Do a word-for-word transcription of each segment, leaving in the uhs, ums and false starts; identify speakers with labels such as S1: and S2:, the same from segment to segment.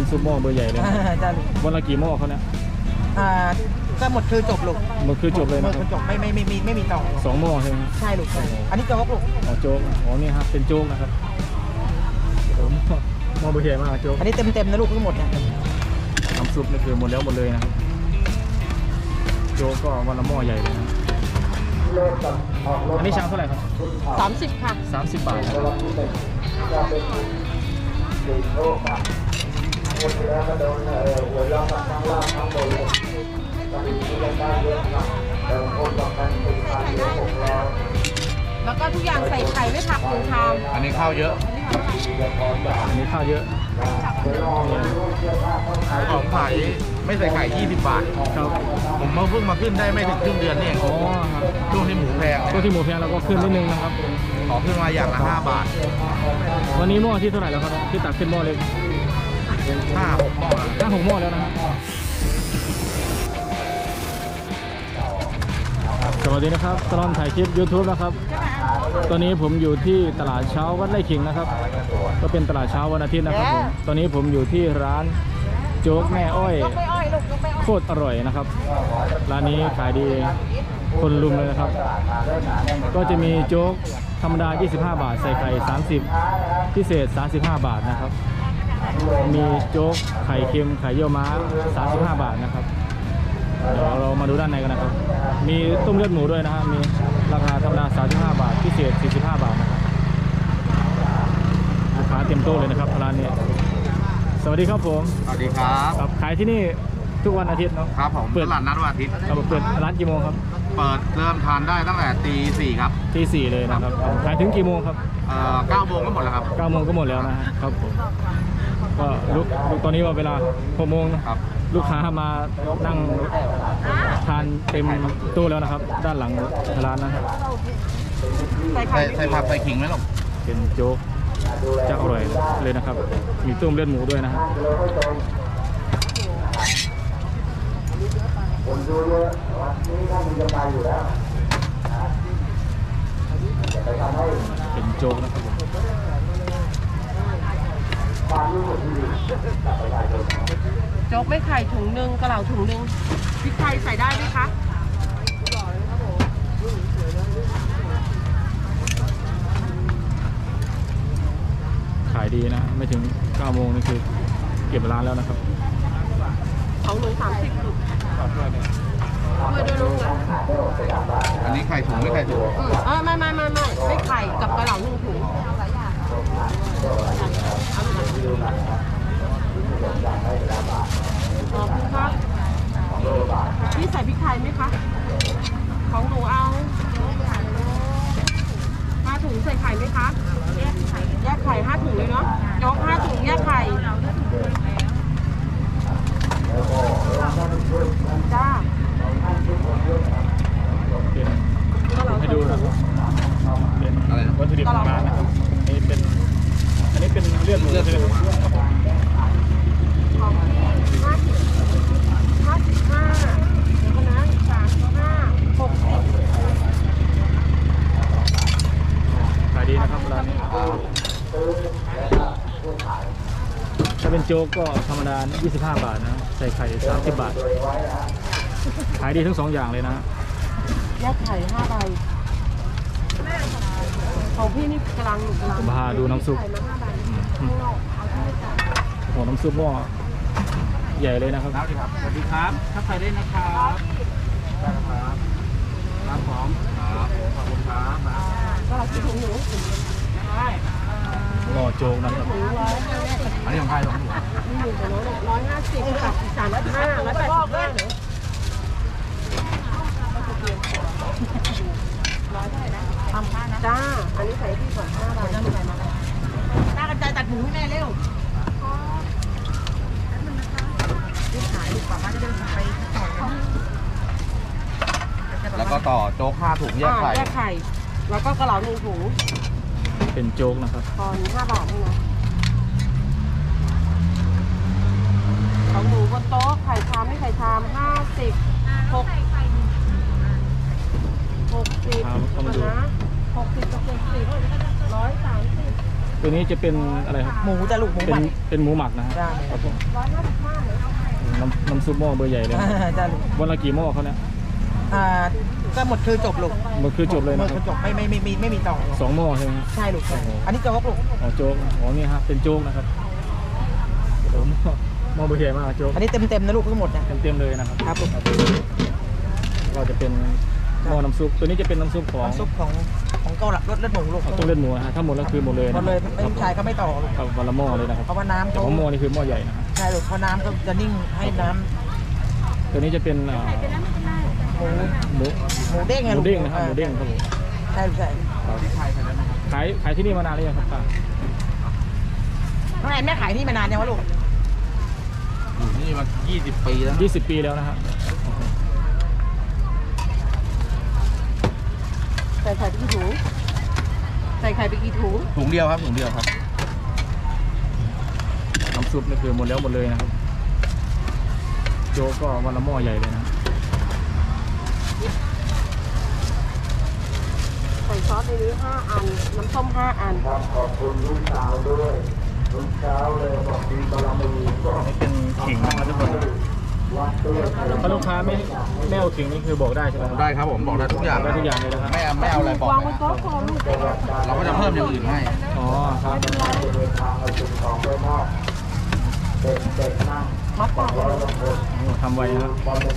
S1: ำซุปหม้อเบอร์ใหญ่เลย
S2: จ้า
S1: วันละกี่หม้อเขาเนี่ย
S2: อ่าก็หมดคือจบลูก
S1: หมดคือจบเลยนะ
S2: หมดจบไม่ไม่ไม่มีไม่มีต่อ
S1: สองหม้อใช่ไหม
S2: ใช่ลูกอันนี้โจ๊กลูก
S1: อ๋อโจ๊กอ๋อนี่ครับเป็นโจ๊กนะครับหม้อเบอร์ใหญ่มากโจ๊ก
S2: อันนี้เต็มเต็มนะลูกทั้งหมดเนี่ย
S1: น้ำซุปนี่คือหมดแล้วหมดเลยนะครับโจ๊กก็วันละหม้อใหญ่เลยนะอันนี้ชามเท่าไหร่ครับ
S2: สามสิบค่ะ
S1: สามสิบบาท
S2: แล้วก็ทุกอย่างใส่ไข่ไม่ผักหนึ่งชาม
S3: อันนี้ข้าวเยอะ
S1: อันนี้ข้าวเยอะ
S3: ของขายไม่ใส่ไข่ยี่สิบบาท
S1: ครับ
S3: ผมมาเพิ่งมาขึ้นได้ไม่ถึงครึ่งเดือนนี่เอง
S1: อ๋อ
S3: ช่วงที่หมูแพง
S1: ช่วงที่หมูแพงเราก็ขึ้นนิดนึงนะครับ
S3: ขอขึ้นมาอย่างละห้าบาท
S1: วันนี้หม้อที่เท่าไหร่แล้วครับที่ตักขึ้นหม้อเล็ก
S3: ห้าหกหม้อ
S1: ห้าหกหม้อแล้วนะครับสวัสดีนะครับตลอดถ่ายคลิป ยูทูบ นะครับตอนนี้ผมอยู่ที่ตลาดเช้าวัดไร่ขิงนะครับก็เป็นตลาดเช้าวันอาทิตย์นะครับผมตอนนี้ผมอยู่ที่ร้านโจ๊กแม่อ้อยโคตรอร่อยนะครับร้านนี้ขายดีคนลุมเลยนะครับก็จะมีโจ๊กธรรมดายี่สิบห้าบาทใส่ไข่สามสิบพิเศษสามสิบห้าบาทนะครับมีโจ๊กไข่เค็มไข่เยี่ยวม้าสามสิบห้าบาทนะครับเดี๋ยวเรามาดูด้านในกันนะครับมีต้มเลือดหมูด้วยนะครับมีราคาธรรมดาสามสิบห้าบาทพิเศษสี่สิบห้าบาทนะครับลูกค้าเต็มโต๊ะเลยนะครับร้านนี้สวัสดีครับผม
S3: สวัสดีครับ
S1: ครับขายที่นี่ทุกวันอาทิตย์เนาะ
S3: ครับผมเปิดตลาดนัดวันอาทิตย์
S1: เราเปิดร้านกี่โมงครับ
S3: เปิดเริ่มทานได้ตั้งแต่ตีสี่ครับ
S1: ตีสี่เลยนะครับขายถึงกี่โมงครับ
S3: เอ่อเก้าโมงก็หมดแล้วครับ
S1: เก้าโมงก็หมดแล้วนะครับผมก็ลุกตอนนี้ว่าเวลาหกโมงนะครับลูกค้ามานั่งทานเต็มตู้แล้วนะครับด้านหลังร้านนะครับ
S3: ใส่ใส่ผักใส่ขิงไหมลูก
S1: เป็นโจ๊กจะอร่อยเลยนะครับมีต้มเลือดหมูด้วยนะครับคนดูเยอะวันนี้ถ้ามีจะไปอยู่แล้วเป็นโจ๊กนะครับ
S2: โจ๊กไม่ไข่ถุงหนึ่งกระเหล่าถุงหนึ่งพริกไทยใส่ได้ไหมคะ
S1: ขายดีนะไม่ถึงเก้าโมงนี่คือเก็บร้านแล้วนะครับ
S2: ของหนึ่งสามสิบถุงไม่ได้รู้นะ
S3: อันนี้ไข่ถุงไม่ไข่ถุง
S2: เออไม่ไม่ไม่ไม่ไม่ไข่กับกระเหล่าหนึ่งถุงขอบคุณครับพี่ใส่พริกไทยไหมคะของหนูเอาห้าถุงใส่ไข่ไหมคะแยกไข่แยกไข่ห้าถุงเลยเนาะยกห้าถุงแยกไข่จ้า
S1: ให้ดูนะครับเป็นวัตถุดิบของร้านนะครับนี่เป็นอันนี้เป็นเลือดหมูใช่ไหมครับ
S2: ของที่ห้าสิบห้าสิบห้าเดี๋ยวนะสามสิบห้าหกสิบ
S1: ขายดีนะครับร้านนี้ถ้าเป็นโจ๊กก็ธรรมดายี่สิบห้าบาทนะใส่ไข่สามสิบบาทขายดีทั้งสองอย่างเลยนะ
S2: แยกไข่ห้าใบของพี่นี่กำลังกำลัง
S1: ผมพาดูน้ำซุปโอ้น้ำซุปหม้อใหญ่เลยนะครับ
S3: สวัสดีครับถ้าใครได้นะครับได้ครับครับผมครับขอบคุณครับ
S2: ก็เราคิดถึงหนู
S1: หม้อโจ๊กนะครับ
S3: อันนี้ของใครของหนู
S2: นี่หนึ่งกับน้องร้อยห้าสิบกับสามร้อยห้าร้อยแปดสิบห้าหนูร้อยเท่าไหร่นะทำผ้านะจ้าอันนี้ใส่ที่ก่อนห้าบาทนั่นใส่มาหน้ากันใจตัดหมูให้แม่เร็วนี่ขายดีกว่าบ้านจะเดินไปต่อ
S3: แล้วก็ต่อโจ๊กห้าถุงแยกไข่
S2: แยกไข่แล้วก็กระเหล่าหนึ่งถุง
S1: เป็นโจ๊กนะครับ
S2: ตอนห้าบาทนี่นะของหมูบนโต๊ะไข่ชามไม่ไข่ชามห้าสิบหกหกสิบนะหกสิบกับเจ็ดสิบร้อยสามสิบ
S1: ตัวนี้จะเป็นอะไรครับ
S3: หมูจะลูกหมู
S1: เป็
S3: ห
S1: น
S3: มัก
S1: เป็นหมูหมักนะฮะ
S3: ได้
S1: ครับผม
S2: ร้อยห้าสิบห้าเลย
S1: น้ำน้ำซุปหม้อเบอร์ใหญ่เลยนะ
S3: จะลูก
S1: วันละกี่หม้อเขาเนี่ย
S3: อ่าก็หมดคือจบลูก
S1: มันคือจบเลย
S3: หม
S1: นะ
S3: ด
S1: ค
S3: คื
S1: รับ
S3: อจบไม่ไม่ไม่ไม่ไม่มีต่อ
S1: สองหม้อใช่ไหมครับ
S3: ใช่ลูกใช่อันนี้โจ๊กลูก
S1: อ๋อโจ๊กอ๋อนี่ฮะเป็นโจ๊กนะครับโอ้โหหม้อหม้อเบอร์ใหญ่มากโจ๊ก
S3: อันนี้เต็มเต็มๆนะลูกทั้งหมดนะ
S1: เต็มๆเลยนะครับ
S3: ครับลูก
S1: ก็จะเป็นหม้อน้ำซุปตัวนี้จะเป็นน้ำซุปของ
S3: น้ำซุปของของเกาหลีรสเลือดหมูลูก
S1: ต้องเล่นหมูนะฮะถ้าหมดแล้วคือหมดเลย
S3: หม
S1: นะ
S3: ดเลย
S1: ค
S3: ไม่
S1: รับ
S3: ชายก็ไม่ต่อลูก
S1: ครับวันละหม้อเลยนะครับ
S3: เพราะว่าน้ำ
S1: แต่
S3: เขา
S1: ของหม้อนี่คือหม้อใหญ่นะฮะ
S3: ใช่ลูกเพราะน้ำก็จะนิ่งให้น้ำ
S1: ตัวนี้จะเป็นอ่า
S3: หมู
S1: หมู
S3: หมูเด้งไง
S1: หมู
S3: ลูก
S1: เด้งนะครับหมูเด้งครับผม
S3: ใช่ลูกใช่
S1: ขายขายที่นี่มานานหรือยังครับป้า
S3: น้องแอนแม่ขายที่มานานยังวะลูก
S4: อยู่นี่มายี่สิบปีแล้วนะ
S1: ยี่สิบปีแล้วนะฮะ
S2: ใส่ไข่ไปกี่ถุงใส่ไข่ไปกี่ถุง
S4: ถุงเดียวครับถุงเดียวครับ
S1: น้ำซุปนี่คือหมดแล้วหมดเลยนะครับโจ๊กก็วันละหม้อใหญ่เลยนะ
S2: ใส่ซอสในนี้ห้าอัน น้ำส้มห้าอัน
S1: นี่เป็นขิงนะครับทุกคนถ้าลูกค้าไม่ไม่เอาขิงนี่คือบอกได้ใช่ไหมครับ
S4: ได้ครับผมบอกได้ทุกอย่าง
S1: ได้ทุกอย่างเลยนะครับ
S4: ไม่เอาไม่เอาอะไรบอก
S2: วางบ
S4: นะ
S2: นโต๊ะก่อนลูก
S4: เราก็จะเพิ่มอย่างอื่นให้
S1: อ๋อครับ
S3: มัดปาก
S1: ทำไวนะครับ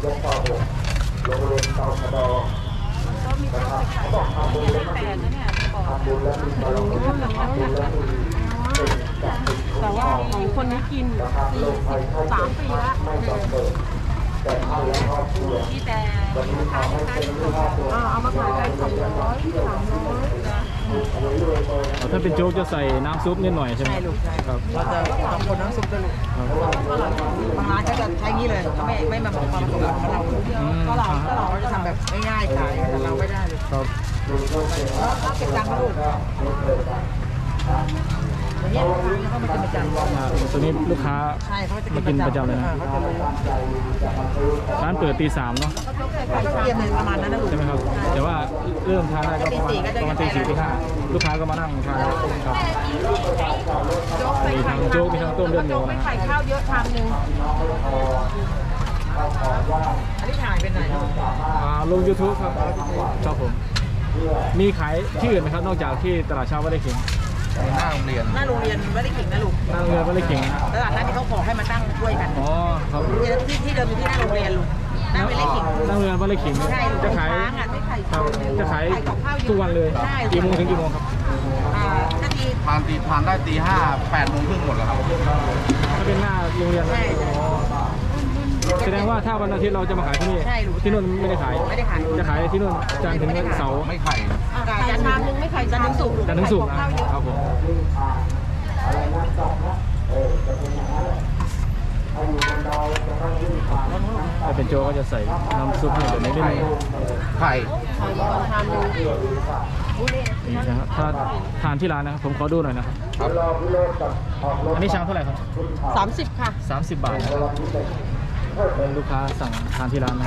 S2: แต่ว่าของคนนี้กินสี่สิบสามปีละที่แต่เอามาขายกันสองร้อยสามร้อย
S1: อ๋อถ้าเป็นโจ๊กจะใส่น้ำซุปนิดหน่อยใช่ไหม
S3: ใช่ลูกใช่
S1: ครับ
S3: เราจะสองคนน้ำซุปจะลูก
S1: ครับ
S3: บางร้านก็จะใช้งี้เลยเขาไม่ไม่มาบอกความผสมของเรา
S1: อืม
S3: ก็เราก็เราจะทำแบบง่ายๆขายแต่เราไม่ได้เลย
S1: ครับ
S3: แล้วเก็บตังค์นะลูกอย่างเงี้ยเขามากินประจำ
S1: อ่าตัวนี้ลูกค้า
S3: ใช่เขาจะ
S1: มากินประจำเลยนะ
S3: เขาจะรู้
S1: ร้านเปิดตีสามเนาะ
S3: เขาก็เตรียมเลยประมาณนั้นนะลูก
S1: ใช่ไหมครับ แต่ว่าเริ่มทานได้ก็ประมาณประมาณตีสี่ตีห้าลูกค้าก็มานั่งทานครับมีทั้งโจ๊กมีทั้งต้มเลือดหมูนะฮะ
S2: ไข่ข้าวเยอะชามหนึ่ง
S3: อันนี้ถ่ายเป็นไหนลูก
S1: อ่าลง YouTube ครับครับผม มีขายที่อื่นไหมครับนอกจากที่ตลาดเช้าวัดไร่ขิง
S4: หน้าโรงเรียน
S3: หน้าโรงเรียนไม่ได้ขิงนะลูก
S1: นั่งเรือวัดไร่ขิงนะฮะ
S3: ตลาดนัดที่เขาขอให้มาตั้งช่วยกัน
S1: อ๋อครับ
S3: ที่ที่เดิมอยู่ที่หน้าโรงเรียนลูกหน้าไม่ได้ขิง
S1: นั่งเรือวัดไร่ขิง
S3: ใช่ลูก
S1: จะขาย
S3: ค้างอ่ะไม่ไข่
S1: ครับจะขาย
S3: ไข่กับข้าวเยอะ
S1: ทุกวันเลย
S3: ใช่
S1: กี่โมงถึงกี่โมงครับ
S3: อ่านาที
S4: ทานตีทานได้ตีห้าแปดโมงครึ่งหมดแล้วครับ
S1: ถ้าเป็นหน้าโรงเรียนนะ
S3: ใช่
S1: อ๋อแสดงว่าถ้าวันอาทิตย์เราจะมาขายที่นี่
S3: ใช่ลูก
S1: ที่นู่นไม่ได้ขาย
S3: ไม่ได้ขาย
S1: จะขายที่นู่นจันทร์ถึงเสาร์
S4: ไม่ไข่
S3: ไก่
S2: ไข่
S3: จันท
S2: ชาม
S3: ร์
S2: หนึ่งไม่ไข่
S3: จันทร์ถึงศุกร์ลูก
S1: จันทร์ถึงศุกร์นะ
S2: ข้าวเยอะ
S1: ครับผมถ้าเป็นโจก็จะใส่น้ำซุปให้แบบนี้นิดนึง
S4: ไข่
S2: ไข่ก่อนชามหนึ่ง
S1: นี่นะครับถ้าทานที่ร้านนะครับผมขอดูหน่อยนะครับ
S4: ครับ
S1: อันนี้ชามเท่าไหร่ครับ
S2: สามสิบค่ะ
S1: สามสิบบาทนะครับเป็นลูกค้าสั่งทานที่ร้านนะ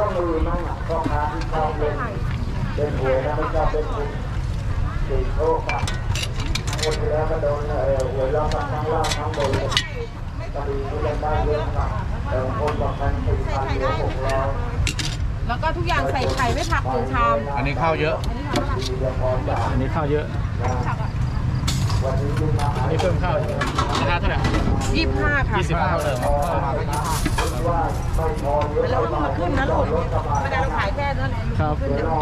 S2: แล้วก็ทุกอย่างใส่ไข่ไม่ผักหนึ่งชาม
S4: อันนี้ข้าวเยอะ
S1: อันนี้ข้าวเยอะอันนี้เพิ่มข้าวราคาเท่าไหร่
S2: ยี่สิบห้าค่ะ
S1: ยี่สิบห้าเติม
S3: แล้วเรามาขึ้นนะลูกไม่ได้เราขายแค่นั้นแหละ
S1: ครับ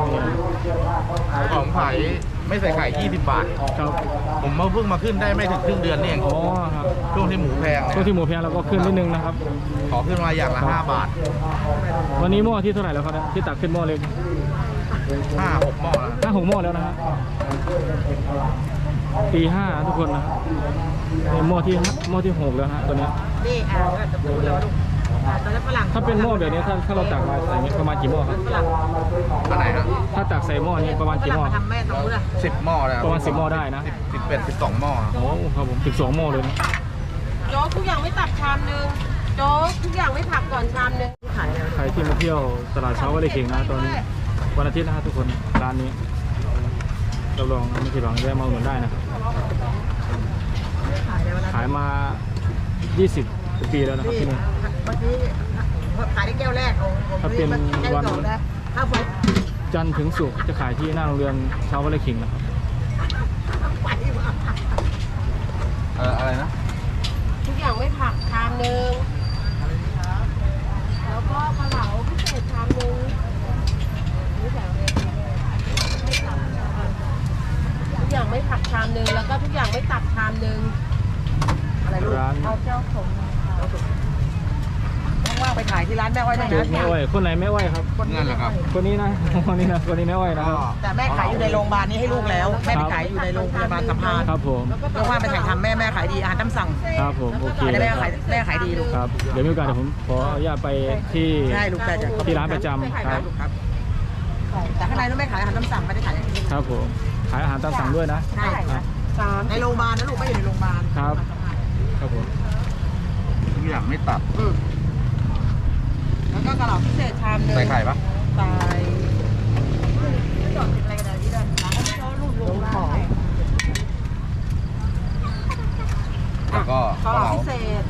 S4: ของไข่ไม่ใส่ไข่ยี่สิบบาท
S1: ครับ
S4: ผมมาเพิ่งมาขึ้นได้ไม่ถึงครึ่งเดือนนี่เอง
S1: อ๋อครับ
S4: ช่วงที่หมูแพง
S1: ช่วง
S4: เนี่ย
S1: ที่หมูแพงเราก็ขึ้นนิดนึงนะครับ
S4: ขอขึ้นมาอย่างละห้าบาท
S1: วันนี้หม้อที่เท่าไหร่แล้วครับเนี่ยที่ตักขึ้นหม้อเล็ก
S4: ห้าหกหม้อแล้ว
S1: ห้าหกหม้อแล้วนะฮะตีห้าทุกคนนะครับนี่หม้อที่หม้อที่หกแล้วฮะตัวเนี้ย
S3: นี่อ่าก็จะพูดแล้วลูกอ่าตอนนั้นฝรั่ง
S1: ถ้าเป็นหม้อแบบนี้ถ้าถ้าเราตักมาใส่อย่างนี้ประมาณกี่หม้อครับ
S3: ฝรั่ง
S4: อันไหนฮะ
S1: ถ้าตักใส่หม้อนี้ประมาณ
S3: ฝ
S1: กี่ห
S3: รั่ง
S1: ม้อ
S3: มาทำแม่ตรงนู้นอะ
S4: สิบหม้อแล้ว
S1: ประมาณสิบหม้อได้นะ
S4: สิบสิบเอ็ดสิบสองหม้อ
S1: โอ้ครับผมสิบสองหม้อเลยนะ
S2: โจ๊กทุกอย่างไม่ตักชามหนึ่งโจ๊กทุกอย่างไม่ผักก่อนชามหนึ่ง
S3: ขายแล้ว
S1: ใครที่มาเที่ยวตลาดเช้าวัดไร่ขิงนะตอนนี้วันอาทิตย์นะฮะทุกคนร้านนี้เราลองไม่ผิดหวังแวะมาอุดหนุนได้นะครับ
S2: แล้วนะ
S1: ขายมา ยี่สิบ ปีแล้วนะครับที่นี่
S2: เมื่อกี้ขายได้แก้วแรกของผม
S1: ถ้าเป็น
S2: แก้ว
S1: วัน
S2: สองนะข้าวไฟ
S1: จันทร์ถึงศุกร์จะขายที่หน้าโรงเรียนชาววัดไร่ขิงนะครับ
S2: ไฟมา
S4: เอออะไรนะ
S2: ทุกอย่างไม่ผักชามหนึ่งแล้วก็กระเหลาพิเศษชามหนึ่งนี่แถวเลยทุกอย่างไม่ผักชามหนึ่งแล้วก็ทุกอย่างไม่ตับชามหนึ่งอะไรลูก
S1: ร้าน
S2: เอาเจ้าผมว่างๆไปขายที่ร้านแม่อ้อยได้
S1: โจ๊
S2: นะ
S1: กแม่อ้อยคนไหนแม่อ้อยครับ
S4: นั่นแหละครับ
S1: คนนี้นะ คนนี้นะคนนี้แม่อ้อยนะครับ
S2: แต่แม่ขายอยู่ในโรงพยาบาลนี้ให้ลูกแล้ว แม่ไปขายอยู่ในโรงพยาบาลสัมพันธ์
S1: ครับผม
S2: ว่างๆไปถ่ายทำแม่แม่ขายดีอาหารตามสั่ง
S1: ครับผมโอเค
S2: ได้แม่ขายแม่ขายดีลูก
S1: ครับเดี๋ยวมีโอกาสเดี๋ยวผมขออนุญาตไปที่
S2: ได้ลูกได้จ้ะ
S1: ที่ร้านประจำครับ
S2: ลูกครับแต่ข้างในนู้นแม่ขายอาหารตามสั่งไม่ได้ขายอย่างนี้
S1: ครับผมขายอาหารตามสั่งด้วยนะ
S2: ใช่
S1: ครับ
S2: ในโรงพยาบาลนะลูกไม่อยู่ในโรงพยาบาล
S1: ครับครับผม
S4: ทุกอย่างไม่ตัด
S2: อืมแล้วก็กระเหล่าพิเศษชามหนึง
S4: ใส่ไข่ปะ
S2: ใส่จอดติดอะไรกันนะพี่เดินร้านเขาลูกลงของ
S4: แล้วก็
S2: กระเหล่าพิเศษ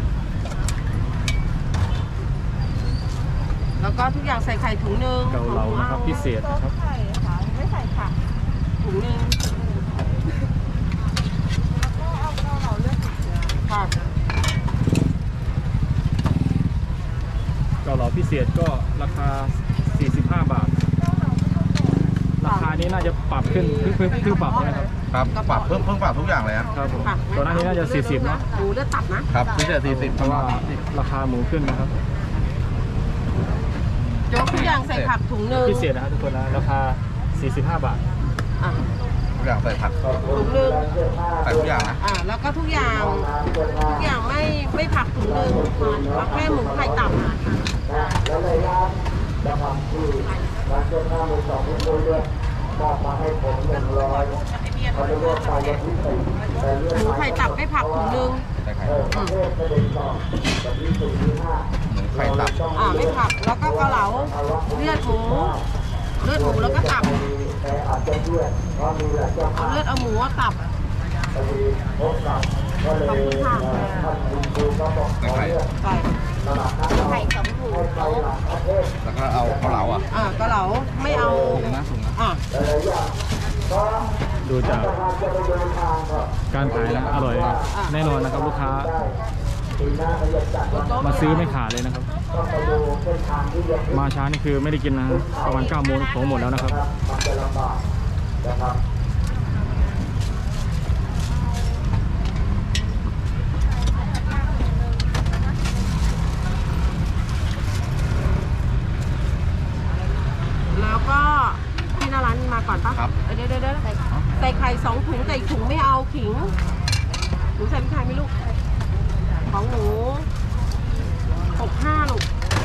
S2: แล้วก็ทุกอย่างใส่ไข่ถุงหนึง
S1: เกาเหลานะครับพิเศษนะครับ
S2: ไข่ค่ะไม่ใส่ผักถุงหนึงแล้วก็เอาเกาเหลาเลือดค่ะ
S1: เกาเหลาพิเศษก็ราคา สี่สิบห้า บาท ราคานี้น่าจะปรับขึ้นเพิ่งเพิ่งเพิ่งปรับใช่ไหมครับ
S4: ครับปรับเพิ่มเพิ่มปรับทุกอย่างเลยครับ
S1: ครับผมตอนหน้านี้น่าจะ สี่สิบ เนาะ
S2: หมูเลือดตับนะครับ
S4: พิเศษสี่สิบ
S1: เพราะว่าราคาหมูขึ้นนะครับ
S2: โจ๊กทุกอย่างใส่ผักถุงหนึง
S1: พิเศษนะครับทุกคนนะราคา สี่สิบห้า บาท
S2: อ่ะ
S4: ทุกอย่างใส่ผัก
S2: ถุงหนึง
S4: ใส่ทุกอย่างนะ
S2: อ่าแล้วก็ทุกอย่างทุกอย่างไม่ไม่ผักถุงหนึงเอาแค่หมูไข่ตับหมูไข่ตับไม่ผักถุงหนึง
S4: ใส่ไข่
S2: อืม
S4: หมูไข่ตับ
S2: อ่าไม่ผักแล้วก็เกาเหลาเลือดหมูเลือดหมูแล้วก็ตับเอาเลือดเอาหมูเอาตับขอบคุณค่ะ
S4: ใส่ไข่
S2: ไก่ไข่สองถุง
S4: แล้วก็เอาเกาเหลาอ่ะ
S2: อ่าเกาเหลาไม่เอา
S4: ถุงนะถุงนะ
S2: อ่า
S1: ดูจากการขายนะอร่อยแน่นอนนะครับลูกค้ามาซื้อไม่ขาดเลยนะครับ มาช้านี่คือไม่ได้กินนะประมาณเก้าโมงของหมดแล้วนะครับ
S2: แล้วก็ที่หน้าร้านมาก่อนปะ
S4: ครับ
S2: เออเดี๋ยวเดี๋ยวเดี๋ยวใส่ไข่สองถุงแต่อีกถุงไม่เอาขิงหนูใส่พริกไทยไหมลูกของหนูหกห้าลูก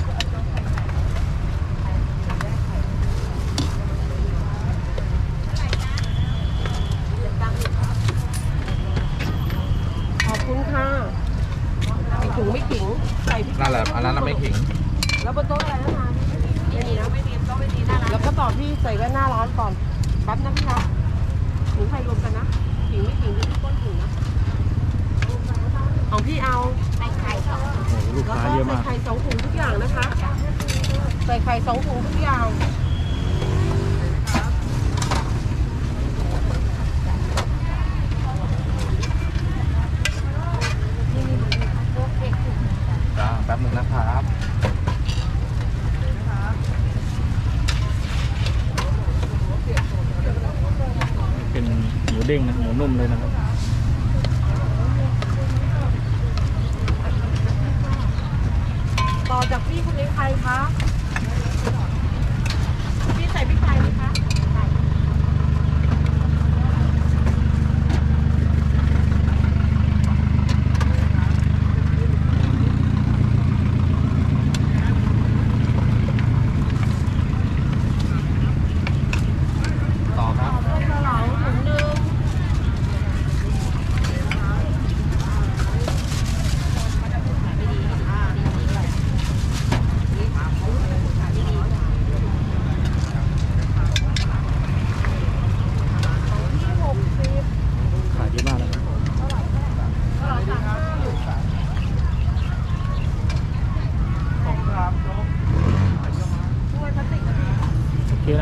S2: ขอบคุณค่ะอีกถุงไม่ขิงใส่พริกไทย
S4: นั่นแหละอันนั้นน่ะไม่ขิง
S2: แล้วบนโต๊ะอะไรนะมาไม่มีนะไม่มีโต๊ะไม่มีหน้าร้านแล้วก็ต่อที่ใส่ไว้หน้าร้านก่อนแป๊บนะพี่นะถุงไข่รวมกันนะขิงไม่ขิงดูที่ก้นถุงนะของพี่เอาใส่ไข่สอง
S1: โอ้โหลูก
S2: แล้ว
S1: ค้า
S2: ก็
S1: เยอะ
S2: ใส่
S1: มาก
S2: ไข่สองถุงทุกอย่างนะคะ ใส่ไข่สองถุงทุกอย่างนี่นี่โอเค
S4: จ้าแป๊บหนึงนะครับ
S1: เป็นหมูเด้งนะหมูนุ่มเลยนะครับ
S2: ต่อจากพี่คนนี้ใครคะ พี่ใส่พริกไทยไหมคะ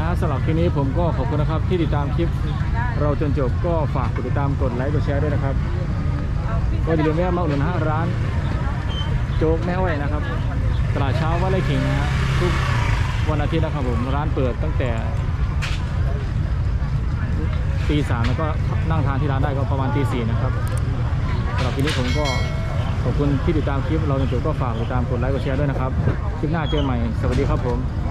S1: ฮะสำหรับคลิปนี้ผมก็ขอบคุณนะครับที่ติดตามคลิปเราจนจบก็ฝากกดติดตามกดไลค์กดแชร์ด้วยนะครับก็อย่าลืมแวะมาอุดหนุนนะฮะร้านโจ๊กแม่อ้อยนะครับตลาดเช้าวัดไร่ขิงนะฮะทุกวันอาทิตย์นะครับผมร้านเปิดตั้งแต่ตีสามแล้วก็นั่งทานที่ร้านได้ก็ประมาณตีสี่นะครับสำหรับคลิปนี้ผมก็ขอบคุณที่ติดตามคลิปเราจนจบก็ฝากติดตามกดไลค์กดแชร์ด้วยนะครับคลิปหน้าเจอกันใหม่สวัสดีครับผม